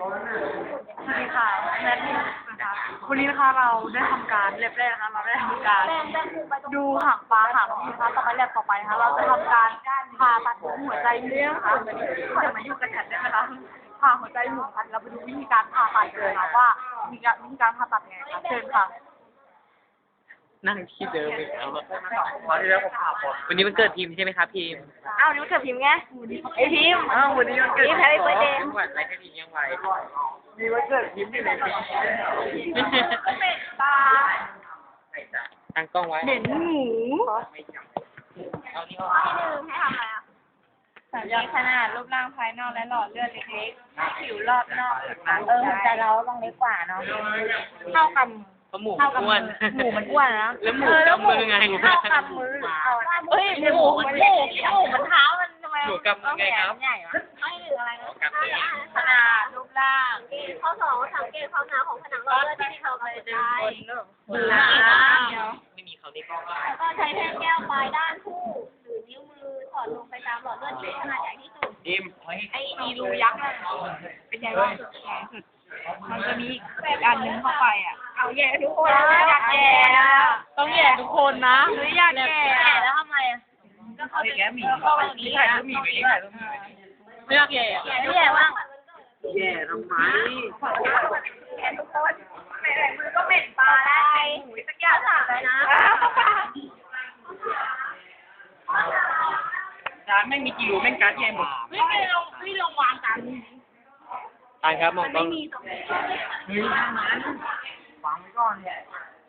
สวัสดีค่ะแนทนี่นะคะวันนี้นะคะเราได้ทำการเล็บแรกนะคะเราได้ทำการดูหางปลาหางนกยูงนะคะต่อไปแลบต่อไปนะคะเราจะทำการผ่าตัดหัวใจเลี้ยงค่ะจะมาอยู่กันแทนได้ไหมคะผ่าหัวใจหมุนกันเราไปดูวิธีการผ่าตัดเลยค่ะว่าวิธีการผ่าตัดยังไงคะเชิญค่ะนั่งที่เดิมอีกแล้วอะวันที่แล้วผมผ่าปอดวันนี้มันเกิดพิมพ์ใช่ไหมครับพิมพ์อ้าวนี่มันเกิดพิมพ์ไงไอพิมพ์วันนี้มันเกิดพิมพ์ Happy Birthday จังหวัดอะไรให้พิมพ์ยังไงมีวันเกิดพิมพ์ที่ไหนพิมพ์ตั้งกล้องไว้เหม็นหมูเอานี่ที่หนึ่งให้ทำอะไรอ่ะมีขนาดรูปร่างภายนอกและหลอดเลือดเล็กๆผิวรอบนอกหัวใจเราต้องเล็กกว่าเนาะเท่ากับเพราะหมูเท่ากับอ้วนหมูมันอ้วนนะแล้วหมูกำมือไงเท่ากับมือเฮ้ยหมูมันเท้ามันทำไมหมูกำมือไงครับใหญ่วะไม่หรืออะไรนะกำมือขนาดรูปร่างข้อสองสังเกตความหนาของผนังหลอดเลือดที่เขากระจายไม่มีเขาในกล้องแล้วก็ใช้แท่งแก้วปลายด้านคู่หรือนิ้วมือสอดลงไปตามหลอดเลือดที่ขนาดใหญ่ที่สุดพิมพ์ไอ้มีรูยักษ์น่ะเป็นใหญ่ที่สุดใหญ่สุดมันจะมีอีกอันนึงเข้าไปอ่ะเอาแย่ทุกคนอยากแย่นะต้องแย่ทุกคนนะหรืออยากแย่แล้วทำไมอ่ะก็เขาจะก็แบบนี้ถ่ายอ่ะรูปหมีไว้ดิถ่ายรูปหมีไว้ดิไม่อยากแย่แย่บ้างแย่ทำไมแย่ทุกคนเหม็นมือก็เหม็นปลาได้หมูสักอย่างเลยนะร้านไม่มีกิโลแม่งการ์ดแย่หมดไม่ลงวางกันตายครับมองกล้องเฮ้ยมันวางไว้ก่อนเนี่ย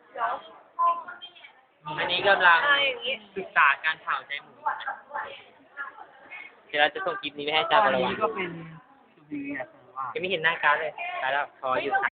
อันนี้กำลังศึกษาการเผาใจหมู เดี๋ยวเราจะส่งคลิปนี้ไปให้อาจารย์บรวัตรก็เป็นดีอ่ะยังไม่เห็นหน้าการ์ดเลยตายแล้วพออยู่